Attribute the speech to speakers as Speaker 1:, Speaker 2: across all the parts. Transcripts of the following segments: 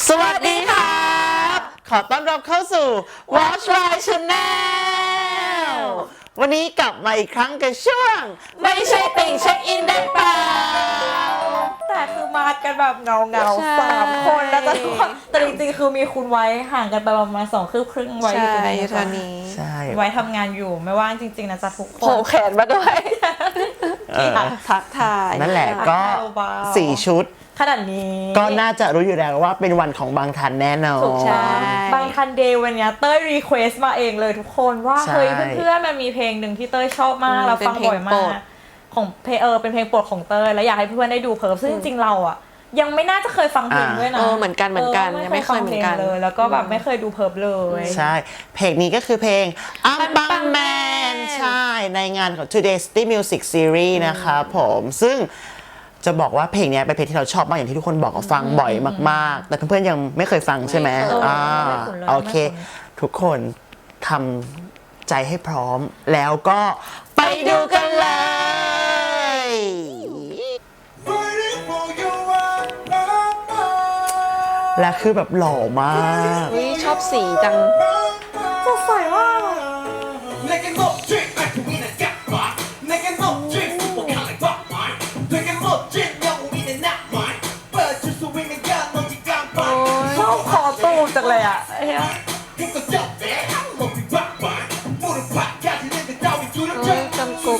Speaker 1: สวัสดีครับขอต้อนรับเข้าสู่ Watch My Channel วันนี้กลับมาอีกครั้งกับช่วงไม่ใช่ติ่งเช็คอินได้เปล่า
Speaker 2: แต่คือมากันแบบเงา3 คนแล้วทุกคนแต่จริงๆคือมีคุณไว้ห่างกันไปประมาณ2 คืบครึ่งไว้อยู่ตรงนี้ค่ะ
Speaker 1: ใช่
Speaker 2: ไว้ทำงานอยู่ไม่ว่างจริงๆนะจ๊ะทุกคน
Speaker 3: โผล่แขนมาด้วยทักทาย
Speaker 1: นั่นแหละก็4 ชุด
Speaker 2: ขนาดนี้
Speaker 1: ก็น่าจะรู้อยู่แล้วว่าเป็นวันของบางทันแน่นอน
Speaker 2: ถูกใช่บางทันเดย์วันนี้เต้ยรีเควสมาเองเลยทุกคนว่าเฮ้ยเพื่อนๆมันมีเพลงหนึ่งที่เต้ยชอบมากเราฟังบ่อยมากของเป็นเพลงโปรดของเต้ยแล้วอยากให้เพื่อนๆได้ดูเพิ่มซึ่งจริงๆเราอ่ะยังไม่น่าจะเคยฟังเพลงด้วยนะ
Speaker 3: เหมือนกันยังไม่เคยเหมือนกัน
Speaker 2: เลยแล้วก็แบบไม่เคยดูเพิ่มเลย
Speaker 1: ใช่เพลงนี้ก็คือเพลงอัมบังแมนใช่ในงานของ Today's City Music Series นะครับผมซึ่งจะบอกว่าเพลงนี้เป็นเพลงที่เราชอบมากอย่างที่ทุกคนบอกว่าฟังบ่อยมากๆแต่เพื่อนๆยังไม่เคยฟังใช่ไหมโอเคทุกคนทำใจให้พร้อมแล้วก็ไปดูกันเลยและคือแบบหล่อมาก
Speaker 3: ชอบสีจัง
Speaker 2: สดใสมากชอบคอตูจังเลยอ่ะ
Speaker 3: จังกุ๊ก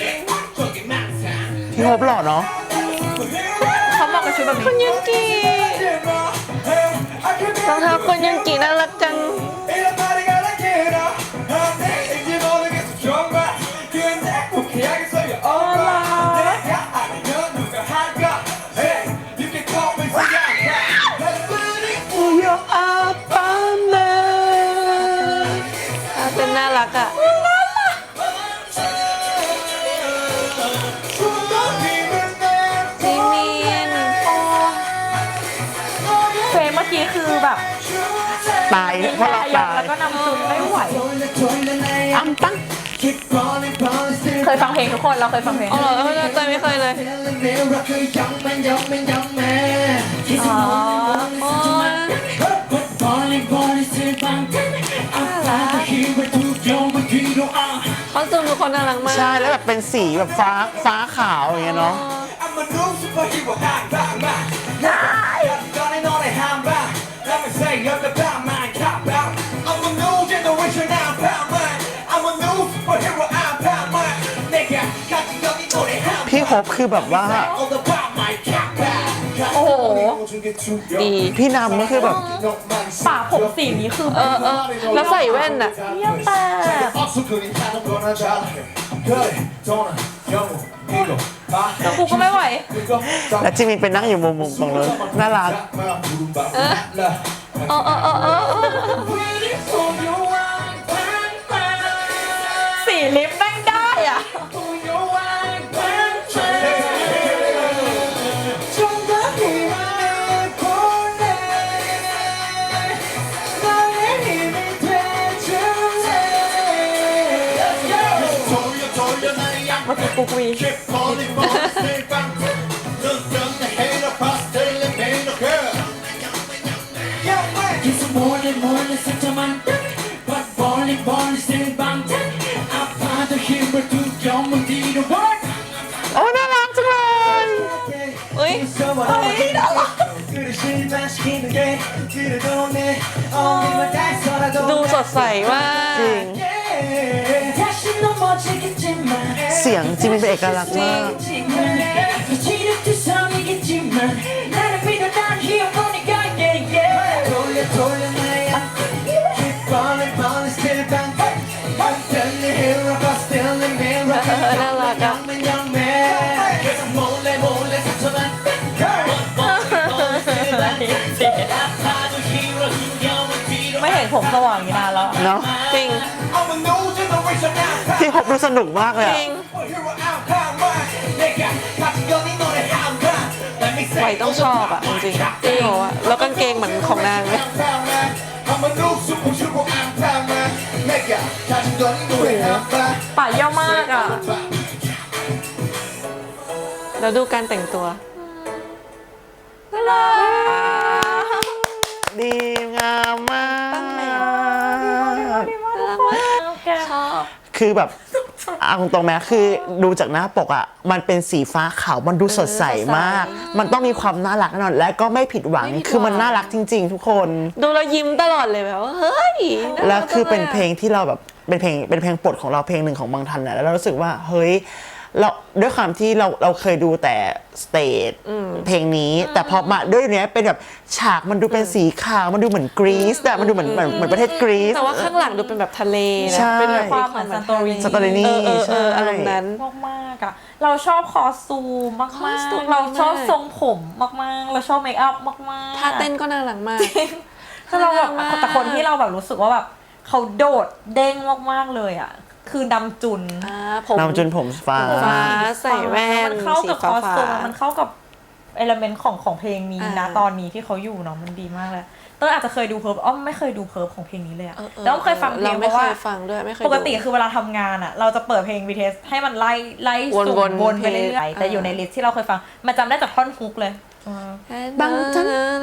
Speaker 1: พี่โฮปหล่อเนาะ
Speaker 2: เขาเหมาะกับชุดแบบนี้
Speaker 3: คุณยุกิรองเท้าคุณยุกิน่ารักจังเป็นน่ารักอ่ะ
Speaker 2: เฟรมเมื่อกี้คือแบบ
Speaker 1: ตายเพราะเราตาย
Speaker 2: แล้วก็นำซุนไม่ไหว
Speaker 1: อัมตั้ง
Speaker 2: เคยฟังเพลงทุกคนเราเคยฟังเพลง
Speaker 3: อ๋อเหรอเตยไม่เคยเลยอ๋อเขาจูงทุกคนน่ารักมาก
Speaker 1: ใช่แล้วแบบเป็นสีแบบฟ้าขาวอย่างเงี้ยเนาะพี่ฮบคือแบบว่า
Speaker 2: โอ้โห
Speaker 3: ดี
Speaker 1: พี่นำก็คือแบบ
Speaker 2: ปากผมสีนี้คือ
Speaker 3: แล้วใส่แว่นอ่ะ
Speaker 2: เยี่ยมแต่แล้วกูก็ไม่ไหว
Speaker 1: แล้วจิมินไปนั่งอยู่มุมตรงนู้นน่ารัก
Speaker 2: สีลิปแม่งได้อ่ะมาถึงกุกวี
Speaker 1: โอ้น่ารักจังเลย
Speaker 3: ดูสดใสมาก
Speaker 1: จริงเสียงจิมินเป็นเอกลักษณ์มาก
Speaker 3: น่ารักอ่ะ
Speaker 2: ไม่เห็นผมสว่างอย่างนี้นานแล้ว
Speaker 1: เนาะ
Speaker 3: จริง
Speaker 1: พี่ฮบดูสนุกมากเลย
Speaker 3: จริงไหวต้องชอบอ่ะจริงๆจริงแล้วกางเกงเหมือนของนางเลย
Speaker 2: ป่าเยี่ยวมากอ่ะ
Speaker 3: แล้วดูการแต่งตัวน่ารัก
Speaker 1: ดีงามมาก
Speaker 2: ดีมากทุกคนแก
Speaker 3: ชอบ
Speaker 1: คือแบบเอาตรงๆไหมคือดูจากหน้าปกอ่ะมันเป็นสีฟ้าขาวมันดูสดใสมาก มันต้องมีความน่ารักแน่นอนและก็ไม่ผิดหวังคือมันน่ารักจริง ๆ ทุกคน
Speaker 3: ดูแล้วยิ้มตลอดเลยแบบว่าเฮ้ยน่ารัก
Speaker 1: แล้วคือเป็น
Speaker 3: จัง
Speaker 1: เพลงที่เราแบบเป็นเพลงโปรดของเราเพลงหนึ่งของบางทันนะแล้วเรารู้สึกว่าเฮ้ยเราด้วยความที่เราเคยดูแต่สเตจเพลงนี้แต่พอมาด้วยเนี้ยเป็นแบบฉากมันดูเป็นสีขาวมันดูเหมือนกรีซแต่มันดูเหมือนประเทศกรีซ
Speaker 3: แต่ว่าข้างหลังดูเป็นแบบทะเลนะ
Speaker 1: ใช่
Speaker 3: เป็นแบบ
Speaker 2: ความเหมือนซันโตรินี
Speaker 1: สตอรี่นี่ใช่
Speaker 3: อารมณ์นั้น
Speaker 2: มากๆอะเราชอบคอสตูมมาก
Speaker 3: คอสตูม
Speaker 2: ๆเราชอบ
Speaker 3: มาก
Speaker 2: ทรงผมมากๆเราชอบเมคอัพมากๆ
Speaker 3: ท่าเต้นก็น่ารักมาก
Speaker 2: คือเราแบบ
Speaker 3: น่ารักมาก
Speaker 2: แต่คนที่เราแบบรู้สึกว่าแบบเขาโดดเด้งมากๆเลยอะคือดำจุน
Speaker 3: ผม
Speaker 1: นำจนผมฟ้า
Speaker 3: ฟ้าใส่แว่น
Speaker 2: มันเข้ากับ
Speaker 3: สี
Speaker 2: ค
Speaker 3: ฟ้า
Speaker 2: อสตูมมันเข้ากับเอลเมนต์ของเพลงนี้นะ
Speaker 3: อ่า
Speaker 2: ตอนนี้ที่เขาอยู่เนาะมันดีมากเลยเต้ยอาจจะเคยดูเพิร์ฟอ้อมไม่เคยดูเพิร์ฟของเพลงนี้เลยอะแล้วอ้อมเคยฟังเพลงเพ
Speaker 3: ไม่
Speaker 2: ราะ
Speaker 3: เค
Speaker 2: ว่า
Speaker 3: ยฟังด้วยไม่เคยดู
Speaker 2: ปกติคือเวลาทำงานอะเราจะเปิดเพลง BTS ให้มันไล่สุ่ม
Speaker 3: วนๆ
Speaker 2: วนไปเรื่อยๆแต่อยู่ในลิสต์ที่เราเคยฟังมันจำได้จากท่อนฮุกเลย
Speaker 3: บางจัง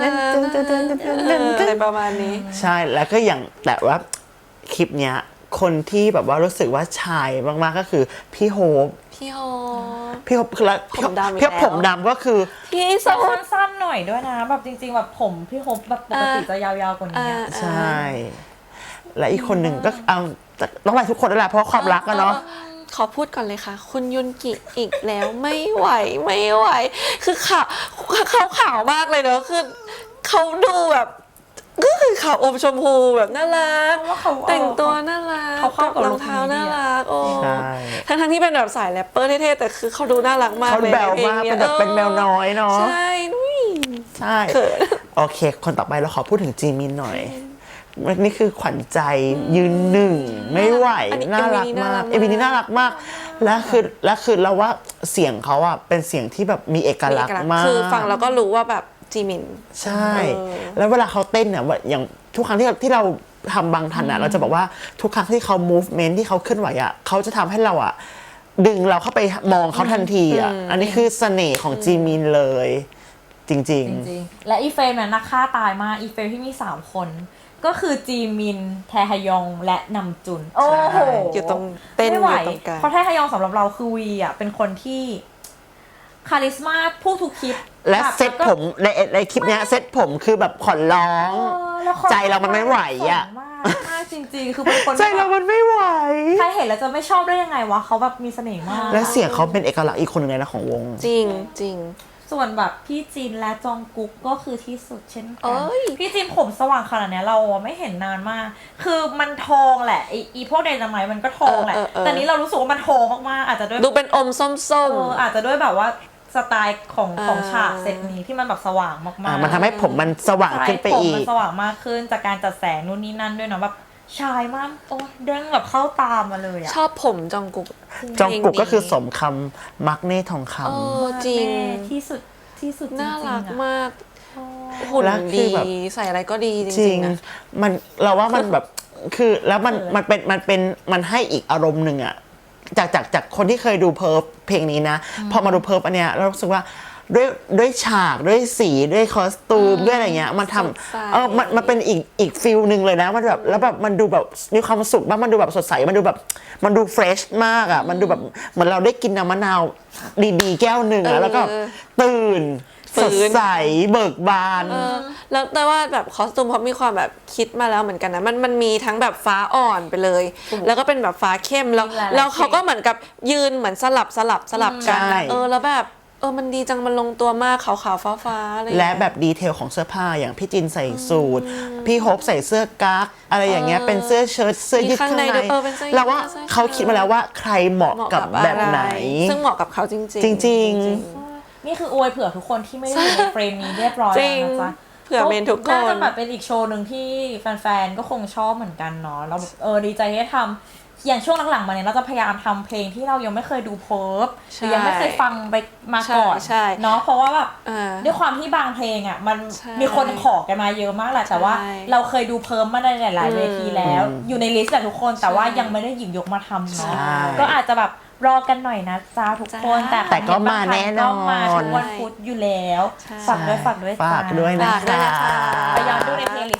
Speaker 3: อะไรประมาณนี้
Speaker 1: ใช่แล้วก็อย่างแต่ว่าคลิปเนี้ยคนที่แบบว่ารู้สึกว่าชายมากๆก็คือพี่โฮป
Speaker 3: พี่โฮ
Speaker 1: พี่โฮปคือแล้ว
Speaker 3: ผมดำอีก
Speaker 1: พี่
Speaker 3: แล้ว
Speaker 1: ผมดำก็คือ
Speaker 3: พี่
Speaker 2: สั้
Speaker 3: สุด
Speaker 2: นๆหน่อยด้วยนะแบบจริงๆแบบผมพี่โฮปแบบปกติจะยาวๆกว่านี้อะ
Speaker 1: ใช่ และอีกคนหนึ่งก็เอาต้องไล่ทุกคนนั่นแหละเพราะความรักอะเนาะ
Speaker 3: ขอพูดก่อนเลยค่ะ คุณยุนกิอีกแล้วไม่ไหว คือขาวมากเลยเนอะคือเขาดูแบบก็คือขาวอมชมพูแบบน่ารัก
Speaker 2: เพราะว่าเขา
Speaker 3: แต่งตัวน่ารัก
Speaker 2: เขาเข้ากับ
Speaker 3: รองเท้า
Speaker 2: ลุคนี้
Speaker 3: น่า
Speaker 2: ดีอะ
Speaker 3: รักโอ้
Speaker 1: ใช่
Speaker 3: ทั้งที่เป็นแบบสายแรปเปอร์เท่ๆแต่คือเขาดูน่ารักมาก
Speaker 1: เขา
Speaker 3: เลย
Speaker 1: แบว
Speaker 3: ในพลง
Speaker 1: มาก
Speaker 3: ย
Speaker 1: เป็นแบบเป็นแมวน้อยเนาะ
Speaker 3: ใช่นุ้ย
Speaker 1: ใช่
Speaker 3: เขิน
Speaker 1: โอเค คนต่อไปเราขอพูดถึงจีมินหน่อยนี่คือขวัญใจยืนหนึ่งไม่ไหว
Speaker 3: อันนี้
Speaker 1: น่ารักมาก
Speaker 3: MV
Speaker 1: เอวีนี้น่ารักมากและคือเราว่าเสียงเขาอะเป็นเสียงที่แบบมีเอกลักษณ์มาก
Speaker 3: คือฟังแล้วก็รู้ว่าแบบจีมิน
Speaker 1: ใช่ แล้วเวลาเขาเต้นเนี่ยอย่างทุกครั้งที่เราทำบางทันอ่ะเราจะบอกว่าทุกครั้งที่เขา movement ที่เขาเคลื่อนไหวอ่ะเขาจะทำให้เราอ่ะดึงเราเข้าไปมองเขาทันทีอ่ะอันนี้คือเสน่ห์ของจีมินเลย จริง
Speaker 2: จริงๆ และอีเฟรมเนี่ยนักฆ่าตายมากอีเฟรมที่มี 3 คน ก็คือจีมินแทฮยองและนำจุน โอ้โห
Speaker 3: อยู่ตรงเต้น
Speaker 2: ไม่ไหว
Speaker 3: อยู่ตรงกลาง
Speaker 2: เพราะแทฮยองสำหรับเราคือวีอ่ะเป็นคนที่คาริสมาพูดทุกคลิป
Speaker 1: ๆ และเซ็ตผมในคลิปเนี้ยเซ็ตผมคือแบบขอร้อง
Speaker 2: แล้วขอ
Speaker 1: ใจเรามันไม่ไหวอ่ะ
Speaker 2: มากจริงๆ คือเป็นคน
Speaker 1: ใจเรามันไม่ไหว
Speaker 2: ใครเห็นแล้วจะไม่ชอบได้ยังไงวะเขาแบบมีเสน่ห์มาก
Speaker 1: และเสียงเขาเป็นเอกลักษณ์อีกคนหนึ่งเลยนะของวง
Speaker 3: จริงจริง
Speaker 2: ส่วนแบบพี่จินและจองกุ๊กก็คือที่สุดเช่นกั
Speaker 3: เอ้ย
Speaker 2: พี่จินผมสว่างขนาดเนี้ยเราไม่เห็นนานมาก คือมันทองแหละอีพวกไดนาไมต์มันก็ทองแหละ แต่นี้เรารู้สึกว่ามันทองมากๆอาจจะด้วย
Speaker 3: ดูเป็นอมส้ม
Speaker 2: อาจจะด้วยแบบว่าสไตล์ของฉากเซตนี้ที่มันแบบสว่างมากๆ
Speaker 1: มันทำให้ผมมันสว่างขึ้นไป
Speaker 2: ใช่ผม
Speaker 1: อี
Speaker 2: มั
Speaker 1: ก
Speaker 2: นสว่างมากขึ้นจากการจัดแสงนู่นนี่นั่นด้วยเนาะแบบชายมากโอ้ยเด้งแบบเข้าตามมาเลยอะ
Speaker 3: ชอบผมจองกุก
Speaker 1: จองกุกก็คือสมคำมักเน่ทองคำ
Speaker 3: โอ้จริง
Speaker 2: แม่ที่สุดที่สุดจริงๆ
Speaker 3: น่ารัก
Speaker 2: อะ
Speaker 3: มาก หุ่น
Speaker 1: แล้วคื
Speaker 3: ดี
Speaker 1: อแบบ
Speaker 3: ใส่อะไรก็ดีจ
Speaker 1: จริ
Speaker 3: ริ
Speaker 1: ง
Speaker 3: งๆนะ
Speaker 1: มันเราว่ามันแบบคือแล้วมันให้อีกอารมณ์หนึ่งอะจากคนที่เคยดูเพิร์ฟเพลงนี้นะพอมาดูเพิร์ฟอันเนี้ยเรารู้สึกว่าด้วยฉากด้วยสีด้วยคอสตูมด้วยอะไรเงี้ยมันท
Speaker 3: สดใส
Speaker 1: ำมันเป็นอีกฟิลหนึ่งเลยนะมันแบบแล้วแบบมันดูแบบมีความสุขมากมันดูแบบสดใสมันดูแบบมันดูเฟรชมากอะมันดูแบบเหมือนเราได้กินน้ำมะนาวดีๆแก้วหนึ่งอะแล้วก็ตื่นสดใสเบิกบาน
Speaker 3: แล้วแต่ว่าแบบคอสตูมเขามีความแบบคิดมาแล้วเหมือนกันนะมันมีทั้งแบบฟ้าอ่อนไปเลย แล้วก็เป็นแบบฟ้าเข้มแล้ว
Speaker 2: หลายๆ
Speaker 3: แล้วเขาก็เหมือนกับยืนเหมือนสลับกัน
Speaker 1: ใช่
Speaker 3: อะแล้วแบบมันดีจังมันลงตัวมากขาวๆฟ้าๆอะไรอย่าง
Speaker 1: และ
Speaker 3: เงี้ย
Speaker 1: แบบดีเทลของเสื้อผ้าอย่างพี่จินใส่สูทพี่โฮปใส่เสื้อกั๊กอะไรอย่างเงี้ยเป็นเสื้อเชิ้ตเสื้อยืดข้างใน
Speaker 3: มีข้างในด้วยเป็นเสื้อยืด
Speaker 1: เราว่า
Speaker 3: เสื้อ
Speaker 1: เขาคิดมาแล้วว่าใครเหมาะกับแบบไหน
Speaker 3: ซึ่งเหมาะกับเขาจริงๆ
Speaker 1: จริง
Speaker 2: นี่คืออวยเผื่อทุกคนที่ไม่ได้อยู่ในเฟรมนี้เรียบร้อย
Speaker 3: จริ
Speaker 2: แล้ว
Speaker 3: ง
Speaker 2: นะจ๊ะ
Speaker 3: เผื่อเมนทุกคน
Speaker 2: น่าจะแบบเป็นอีกโชว์หนึ่งที่แฟนๆ ก็คงชอบเหมือนกันเนาะเราแบบดีใจที่ได้ทำอย่างช่วงหลังๆมาเนี่ยเราจะพยายามทำเพลงที่เรายังไม่เคยดูเพิร์ฟหรือยังไม่เคยฟังไปมาก่อน
Speaker 3: ใช่
Speaker 2: เนาะเพราะว่าแบบ
Speaker 3: อ่า
Speaker 2: ด้วยความที่บางเพลงอ่ะมัน
Speaker 3: ใช่
Speaker 2: มีคนขอกันมาเยอะมากแหละแต่ว่า
Speaker 3: ใช่
Speaker 2: เราเคยดูเพิร์ฟมาในหลายๆเวทีแล้ว อยู่ในลิสต์แหละทุกคนแต่ว่ายังไม่ได้หยิบยกมาทำเนาะ
Speaker 1: ใช่
Speaker 2: ก็อาจจะแบบรอกันหน่อยนะจ้าทุกคน
Speaker 3: จ้า
Speaker 1: แต่ก็มาแน่นอน
Speaker 2: ก็มาทุกวันพุธอยู่แล้ว
Speaker 3: ใช่
Speaker 2: ฝากด้วย
Speaker 1: ฝากด้วยนะ
Speaker 3: ฝากด้วย
Speaker 1: คะ
Speaker 3: นะคะ
Speaker 2: ไปย้อนดูในเพลย์ลิสต์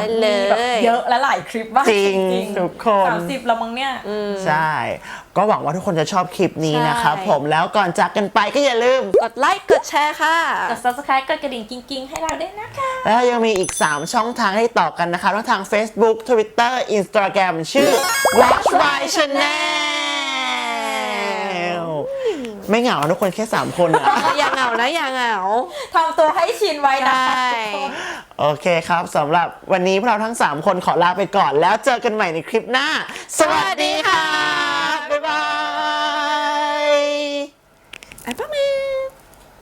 Speaker 3: เลย
Speaker 2: มีแบบเยอะและหลายคลิปมาก
Speaker 1: จริงทุกคน
Speaker 2: 30แล้วมั้งเนี่ย
Speaker 1: ใช่ ก็หวังว่าทุกคนจะชอบคลิปนี้นะครับ
Speaker 3: ใช่
Speaker 1: ผมแล้วก่อนจากกันไปก็อย่าลืม
Speaker 3: กดไลค์กดแชร์ค่ะ
Speaker 2: กด subscribe กดกระดิ่งกิ้งๆให้เราด้วยนะคะ
Speaker 1: แล้วยังมีอีก 3 ช่องทางให้ต่อกันนะคะทั้งทาง Facebook Twitter Instagram ชื่อ Watch My Channel ไม่เหงาทุกคนแค่ 3 คนอะ
Speaker 3: อย่าเหงานะอย่าเหงา
Speaker 2: ทำตัวให้ชินไว้นะ
Speaker 3: ใช่
Speaker 2: คะทุกคน
Speaker 1: โอเคครับสำหรับวันนี้พวกเราทั้ง 3 คนขอลาไปก่อนแล้วเจอกันใหม่ในคลิปหน้า สวัสดีค่ะ